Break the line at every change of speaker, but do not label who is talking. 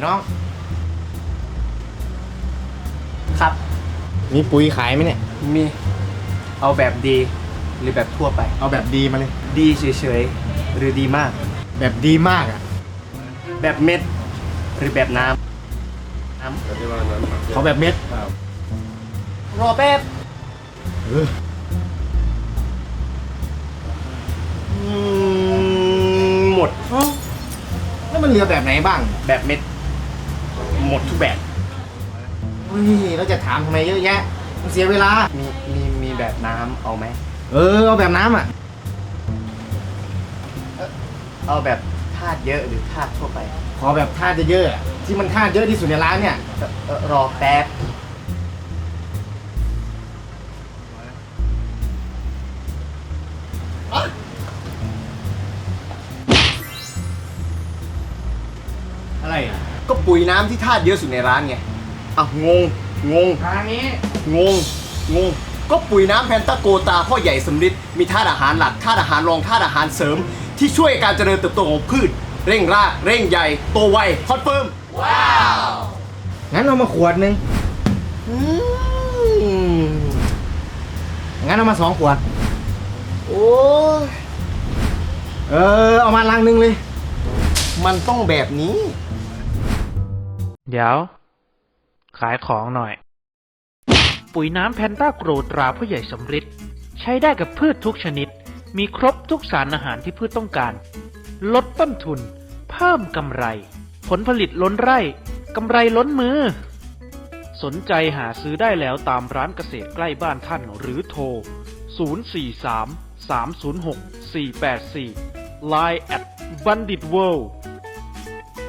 น้อง
ครับ
มีปุ๋ยขายไหมเนี่ย
มีเอาแบบดีหรือแบบทั่วไป
เอาแบบดีมาเลย
ดีเฉยๆหรือดีมาก
แบบดีมากอ่ะ
แบบเม็ดหรือแบบน้ำ
เขาแบบเม็ด
รอแป๊บ
เออ
หมด
แล้วมันเหลือแบบไหนบ้าง
แบบเม็ดหมดทุกแบบ
เฮ้ยเราจะถามทำไมเยอะแยะมันเสียเวลา
มีแบบน้ำเอาไหม
เอาแบบน้ำอ่ะ
เอาแบบธาตุเยอะหรือธาตุทั่วไป
ขอแบบธาตุเยอะๆอะที่มันธาตุเยอะที่สุดในร้านเนี่ย
รอแป๊บ
อะไรอ่ะ
ก็ปุ๋ยน้ำที่ธาตุเยอะสุดในร้านไงอ่ะงง
ทางนี้
งง ก็ปุ๋ยน้ำแพนตาโกตาพ่อใหญ่สำริดมีธาตุอาหารหลักธาตุอาหารรองธาตุอาหารเสริม ที่ช่วยการเจริญเติบโตของพืช เร่งรากเร่งใหญ่โตไวคอนเฟิร์ม
งั้นเอามาขวดนึงงั้นเอามา2 ขวด
โอ้ย
เอามาลังนึงเลย
มันต้องแบบนี้
เดี๋ยว ขายของหน่อย ปุ๋ยน้ำแพนต้าโกรตราผู้ใหญ่สำริดใช้ได้กับพืชทุกชนิด มีครบทุกสารอาหารที่พืชต้องการ ลดต้นทุน เพิ่มกำไร ผลผลิตล้นไร่กำไรล้นมือ สนใจหาซื้อได้แล้วตามร้านเกษตรใกล้บ้านท่านหรือโทร 043 306 484 Line @BanditWorld